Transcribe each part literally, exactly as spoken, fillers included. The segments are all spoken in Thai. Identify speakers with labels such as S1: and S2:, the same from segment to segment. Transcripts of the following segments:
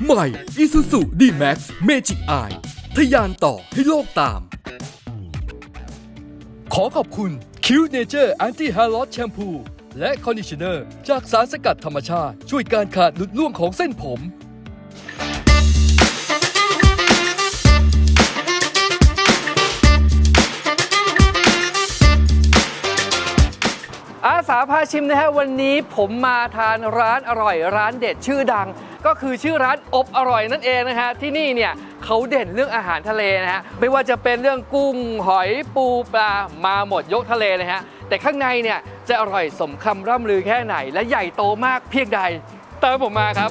S1: ใหม่ Isuzu D-Max Magic Eye ทะยานต่อให้โลกตาม ขอขอบคุณ Q Nature Anti Hair Loss Shampoo และ Conditioner จากสารสกัดธรรมชาติช่วยการขาดหลุดร่วงของเส้นผม
S2: อาสาพาชิมนะฮะวันนี้ผมมาทานร้านอร่อยร้านเด็ดชื่อดัง ก็คือชื่อร้านอบอร่อยนั่นเองนะฮะที่นี่เนี่ยเขาเด่นเรื่องอาหารทะเลนะฮะไม่ว่าจะเป็นเรื่องกุ้งหอยปูปลามาหมดยกทะเลเลยฮะแต่ข้างในเนี่ยจะอร่อยสมคำร่ำลือแค่ไหนและใหญ่โตมากเพียงใดตามผมมาครับ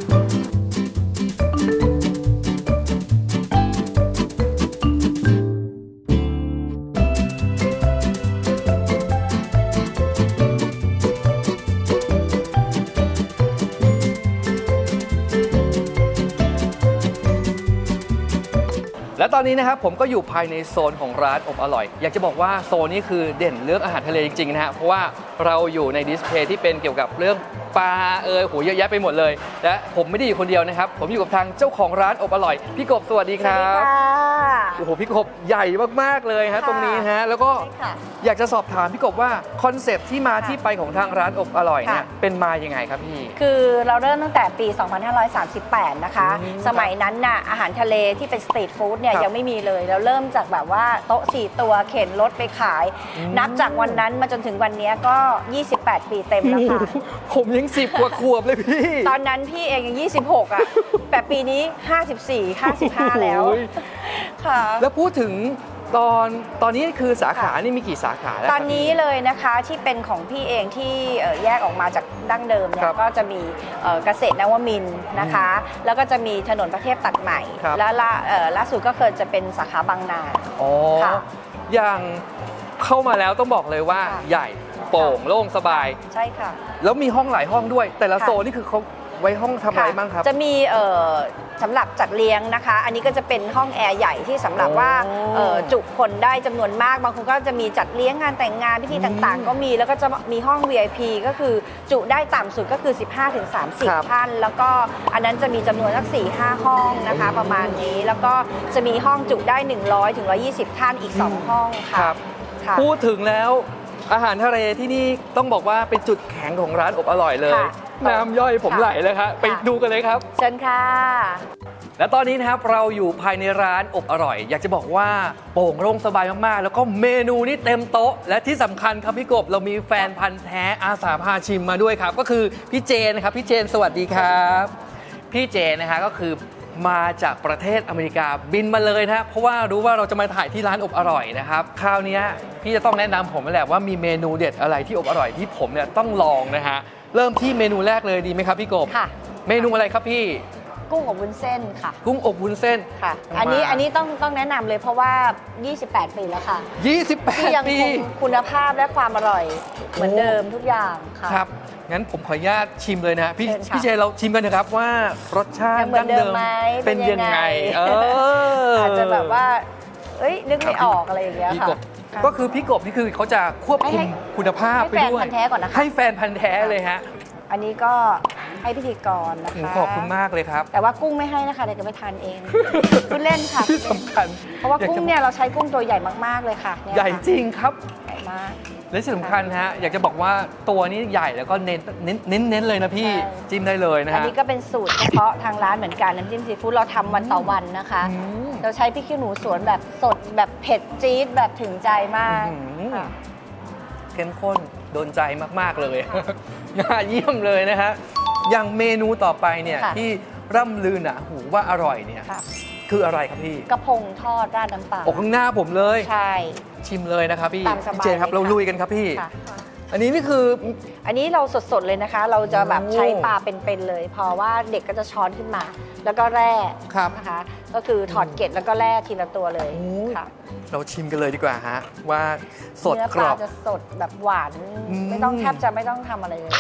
S2: และตอนนี้นะครับผมก็อยู่ภายในโซนของร้านอบอร่อยอยากจะบอกว่าโซนนี้คือเด่นเรื่องอาหารทะเลจริงๆนะฮะเพราะว่าเราอยู่ในดิสเพลย์ที่เป็นเกี่ยวกับเรื่องปลาเอยโหเยอะแยะไปหมดเลยและผมไม่ได้อยู่คนเดียวนะครับผมอยู่กับทางเจ้าของร้านอบอร่อยพี่กบสวัสดีครับโอ้โหพี่กบใหญ่มากๆเลยฮะตรงนี้ฮะแล้วก็อยากจะสอบถามพี่กบว่าคอนเซปต์ที่มาที่ไปของทางร้านอบอร่อยเนี่ยเป็นมายังไงครับพี่
S3: คือเราเริ่มตั้งแต่ปี สองพันห้าร้อยสามสิบแปด นะคะสมัยนั้นน่ะอาหารทะเลที่เป็นสตรีทฟู้ดเนี่ยยังไม่มีเลยเราเริ่มจากแบบว่าโต๊ะสี่ตัวเข็นรถไปขายนับจากวันนั้นมาจนถึงวันนี้ก็ยี่สิบแปดปีเต็มแล้วค่ะ
S2: ผมยังสิบกว่าขวบเลยพี่
S3: ตอนนั้นพี่เองยังยี่สิบหกอ่ะแต่ปีนี้ห้าสิบสี่ ห้าสิบห้าแล้วค่ะ
S2: แล้วพูดถึงตอนตอนนี้คือสาขานี่มีกี่สาขาแล้ว
S3: ตอนนี้เลยนะคะที่เป็นของพี่เองที่แยกออกมาจากดั้งเดิมเนี่ยก็จะมีเกษตรนวมินทร์นะคะแล้วก็จะมีถนนประเทศตัดใหม่แล้วล่าสุดก็เคยจะเป็นสาขาบางนา
S2: อ๋ออย่างเข้ามาแล้วต้องบอกเลยว่าใหญ่โปร่งโล่งสบาย
S3: ใช่ค่ะ
S2: แล้วมีห้องหลายห้องด้วยแต่ละโซนนี่คือเขาไว้ห้องทำอะไรบ้างครับ
S3: จะมีสำหรับจัดเลี้ยงนะคะอันนี้ก็จะเป็นห้องแอร์ใหญ่ที่สำหรับว่าจุคนได้จำนวนมากบางคนก็จะมีจัดเลี้ยงงานแต่งงานพิธีต่างๆก็มีแล้วก็จะมีห้อง วี ไอ พี ก็คือจุได้ต่ำสุดก็คือ สิบห้าถึงสามสิบ ท่านแล้วก็อันนั้นจะมีจำนวนสัก สี่ห้า ห้องนะคะประมาณนี้แล้วก็จะมีห้องจุได้หนึ่งร้อยถึงหนึ่งร้อยยี่สิบท่านอีกสองห้องค่ะ
S2: พูดถึงแล้วอาหารทะเลที่นี่ต้องบอกว่าเป็นจุดแข็งของร้านอบอร่อยเลยน้ำย่อยผมไหลเลยครับไปดูกันเลยครับ
S3: เชิญค่ะ
S2: และตอนนี้นะครับเราอยู่ภายในร้านอบอร่อยอยากจะบอกว่าโปร่งโล่งสบายมากๆแล้วก็เมนูนี่เต็มโต๊ะและที่สำคัญครับพี่กบเรามีแฟนพันธ์แท้อาสาพาชิมมาด้วยครับก็คือพี่เจนนะครับพี่เจนสวัสดีครับพี่เจนนะคะก็คือมาจากประเทศอเมริกาบินมาเลยนะเพราะว่ารู้ว่าเราจะมาถ่ายที่ร้านอบอร่อยนะครับคราวนี้พี่จะต้องแนะนำผมแหละว่ามีเมนูเด็ดอะไรที่อบอร่อยที่ผมเนี่ยต้องลองนะฮะเริ่มที่เมนูแรกเลยดีไหมครับพี่กบ
S3: ค่ะ
S2: เมนูอะไรครับพี่
S3: กุ้งอบวุ้นเส้นค่ะ
S2: กุ้งอบวุ้นเส้น
S3: ค่ะอันนี้อันนี้ต้องต้องแนะนำเลยเพราะว่ายี่สิบแปดปีแล้วค่ะ
S2: ยี่สิบแปดปี
S3: ยังคงคุณภาพและความอร่อยเหมือนเดิมทุกอย่างค่ะ
S2: ครับงั้นผมขออนุญาตชิมเลยนะพี่พี่เจเราชิมกันนะครับว่ารสชาติดั้งเดิมเป็นยังไงเอ
S3: ออาจจะแบบว่าเอ้ยนึกไม่ออกอะไรอย่างเงี้ยค่ะ
S2: ก็คือพี่กบนี่คือเขาจะควบคุมคุณภาพไปด้วย
S3: ให้แฟนพันธุ์แท้ก่อนนะคะ
S2: ให้แฟนพันธุ์แท้เลยฮะ
S3: อันนี้ก็ให้พิธีกรนะคะ
S2: ขอบคุณมากเลยครับ
S3: แต่ว่ากุ้งไม่ให้นะคะเดี๋ยวจะไปทานเองพูดเล่นค่ะ
S2: ที่สำคัญ
S3: เพราะว่ากุ้งเนี่ยเราใช้กุ้งตัวใหญ่มากๆเลยค่ะ
S2: ใหญ่จริงครับ
S3: ใหญ่มาก
S2: และที่สำคัญฮะอยากจะบอกว่าตัวนี้ใหญ่แล้วก็เน้นเน้นเน้นเน้นเลยนะพี่จิ้มได้เลยนะฮะ
S3: อันนี้ก็เป็นสูตรเฉพาะทางร้านเหมือนกันน้ำจิ้มซีฟู้ดเราทำวันต่อวันนะคะเราใช้พริกขี้หนูสวนแบบสดแบบเผ็ดจี๊ดแบบถึงใจมาก
S2: เข้มข้นโดนใจมากๆเลยน่าเยี่ยมเลยนะฮะอย่างเมนูต่อไปเนี่ยที่ร่ำลือหนาหูว่าอร่อยเนี่ยคืออะไรครับพี่
S3: กระพงทอดราดน้ำปลา
S2: โอ้ข้างหน้าผมเลย
S3: ใช่
S2: ชิมเลยนะครับพี่เจนครับเราลุยกันครับพี่อันนี้นี่คือ
S3: อันนี้เราสดๆเลยนะคะเราจะแบบใช้ปลาเป็นๆเลยเพราะว่าเด็กก็จะช้อนขึ้นมาแล้วก็แร่นะคะก็คือถอดเกล็ดแล้วก็แร่ทีละตัวเลยค่ะ
S2: เราชิมกันเลยดีกว่าฮะว่าสดกรอบ
S3: จะสดแบบหวานไม่ต้องแทบจะไม่ต้องทำอะไรเลย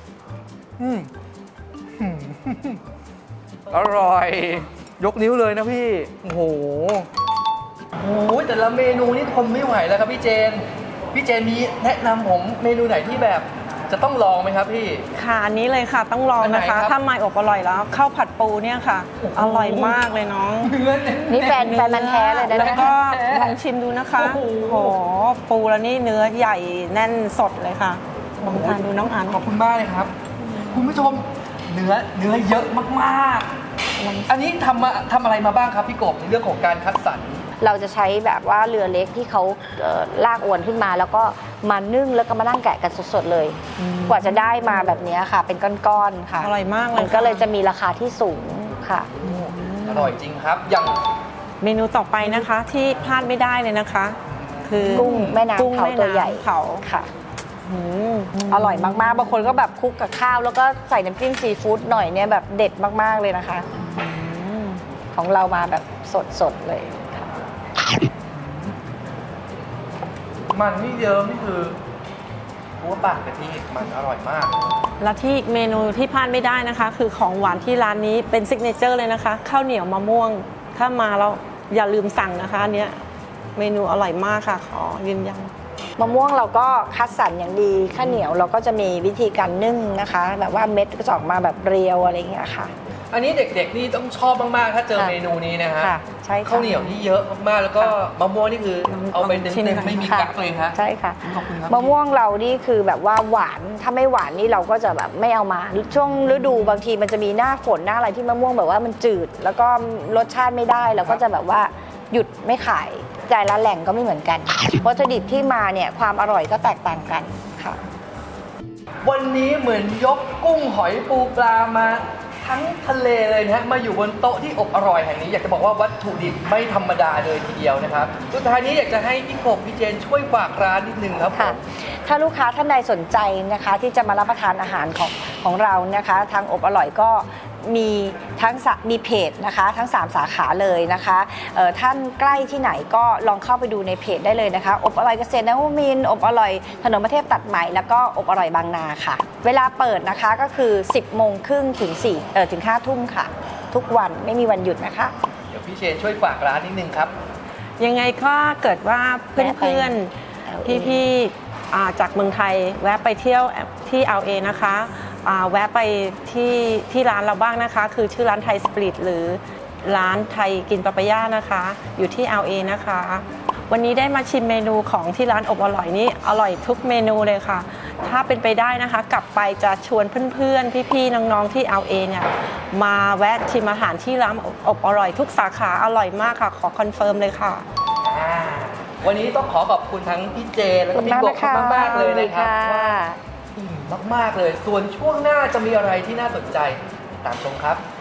S2: อร่อยยกนิ้วเลยนะพี่โอ้โหโอ้โหแต่ละเมนูนี่ทนไม่ไหวแล้วครับพี่เจนพี่เจนมีแนะนำผมเมนูไหนที่แบบจะต้องลองไหมครับพี่
S4: ค่ะอันนี้เลยค่ะต้องลอง
S2: อันไหน
S4: นะคะ
S2: ครับ
S4: ถ้าไม่อบอร่อยแล้วข้าวผัดปูเนี่ยค่ะ อร่อยมากเลยน้อง
S2: เนื้อเน้น
S3: นี่แฟนแฟนมันธุ์แท้เลยนะ
S4: แล้ว
S3: เนี่ย
S4: ก็ลองชิมดูนะคะ
S2: โอ้โห
S4: โอ้โหปูแล้วนี่เนื้อใหญ่แน่นสดเลยค่ะลองทานดูน้องอัน
S2: ขอบคุณมากเลยครับ คุณผู้ชมเนื้อเนื้อเยอะมากๆ อันนี้ทำมาทำอะไรมาบ้างครับพี่กบในเรื่องของการคัดสรร
S3: เราจะใช้แบบว่าเรือเล็กที่เขาเอ่อลากอวนขึ้นมา แล้วก็มานึ่งแล้วก็มานั่งแกะกันสดๆเลย กว่าจะได้มาแบบนี้ค่ะ เป็นก้อนๆค่ะ
S4: อร่อยมากเลย
S3: มันก็เลย
S4: ค่
S3: จะมีราคาที่สูงค่ะ
S2: อร่อยจริงครับ อย่าง
S4: เมนูต่อไปนะคะที่พลาดไม่ได้เลยนะคะ คือ
S3: กุ้งแม่น้ำ
S4: กุ้ง
S3: เผา
S4: แม่
S3: ตัวใหญ่
S4: น้ำเผา
S3: ค่ะ
S4: อืม
S3: อร่อยมากๆ บางคนก็แบบคลุกกับข้าว แล้วก็ใส่น้ำจิ้มซีฟู้ดหน่อยเนี่ยแบบเด็ดมากๆเลยนะคะ ของเรามาแบบสดๆเลยค่ะ
S2: มันนี่เยอะนี่คือหัวปากกะทิมันอร่อยมาก
S4: แล้วที่อีกเมนูที่พลาดไม่ได้นะคะ คือของหวานที่ร้านนี้เป็นซิกเนเจอร์เลยนะคะข้าวเหนียวมะม่วงถ้ามาแล้วอย่าลืมสั่งนะคะอันเนี้ยเมนูอร่อยมากค่ะขอยืนยัน
S3: มะม่วงเราก็คัดสรรอย่างดีข้าวเหนียวเราก็จะมีวิธีการนึ่งนะคะ แบบว่าเม็ดก็จะออกมาแบบเรียวอะไรอย่างเงี้ยค่ะ
S2: อันนี้เด็กๆนี่ต้องชอบมากๆ ถ้าเจอ
S3: ค่ะ
S2: เมนูนี้นะฮะ
S3: ค่ะใช่ค่ะ
S2: ข้าวเหนียวนี่เยอะมากๆ แล้วก็มะม่วงนี่คือ
S4: ลอง
S2: เอาไป
S4: ลองชิม
S2: เต็ม
S4: หน่อย
S2: ๆไม่มี
S3: ค่ะ
S2: กั๊กเลยฮะ
S3: ใช่ค่ะ
S2: ขอบคุณครับ
S3: มะม่วงเรานี่คือแบบว่าหวานถ้าไม่หวานนี่เราก็จะแบบไม่เอามา ช่วงฤดูบางทีมันจะมีหน้าฝนหน้าอะไรที่มะม่วงแบบว่ามันจืด แล้วก็รสชาติไม่ได้เราก็จะแบบว่าหยุดไม่ขายแต่ละแหล่งก็ไม่เหมือนกันวัตถุดิบที่มาเนี่ยความอร่อยก็แตกต่างกันค่ะ
S2: วันนี้เหมือนยกกุ้งหอยปูปลามาทั้งทะเลเลยนะฮะมาอยู่บนโต๊ะที่อบอร่อยแห่งนี้อยากจะบอกว่าวัตถุดิบไม่ธรรมดาเลยทีเดียวนะครับสุดท้ายนี้อยากจะให้พี่กบพี่เจนช่วยฝากร้านนิดนึงครับผ
S3: ค่ะ
S2: ม
S3: ถ้าลูกค้าท่านใดสนใจนะคะที่จะมารับประทานอาหารของของเรานะคะ ทางอบอร่อยก็มีทั้งสะมีเพจนะคะ ทั้งสามสาขาเลยนะคะเอ่อท่านใกล้ที่ไหนก็ลองเข้าไปดูในเพจได้เลยนะคะ อบอร่อยเกษตรนวมินทร์อบอร่อยถนนประเทศตัดใหม่แล้วก็อบอร่อยบางนาค่ะ เวลาเปิดนะคะก็คือ สิบโมงครึ่งถึงสี่เอ่อถึงห้าทุ่มค่ะ ทุกวันไม่มีวันหยุดนะคะ
S2: เดี๋ยวพี่เชนช่วยฝากร้านนิดนึงครับ
S4: ยังไงก็เกิดว่าเ
S3: แวะไป
S4: พื่อน
S3: แอล
S4: ๆ
S3: เอ
S4: พี่ๆอ่าจากเมืองไทยแวะไปเที่ยวที่ แอล เอ นะคะอ่าแวะไปที่ที่ร้านเราบ้างนะคะ คือชื่อร้านไทยสปริตหรือร้านไทยกินปาปายานะคะ อยู่ที่ แอล เอ นะคะ วันนี้ได้มาชิมเมนูของที่ร้านอบอร่อยนี่อร่อยทุกเมนูเลยค่ะ ถ้าเป็นไปได้นะคะ กลับไปจะชวนเพื่อนๆ พี่ๆ น้องๆ ที่ แอล เอ เนี่ยมาแวะชิมอาหารที่ร้านอบอร่อยทุกสาขาอร่อยมากค่ะ ขอคอนเฟิร์มเลยค่ะ
S2: อ่าวันนี้ต้องขอขอบคุณทั้งพี่เจนแล้วก็พี่กบมากๆเลยนะครับว่าอิ่มมากๆเลย ส่วนช่วงหน้าจะมีอะไรที่น่าสนใจติดตามชมครับ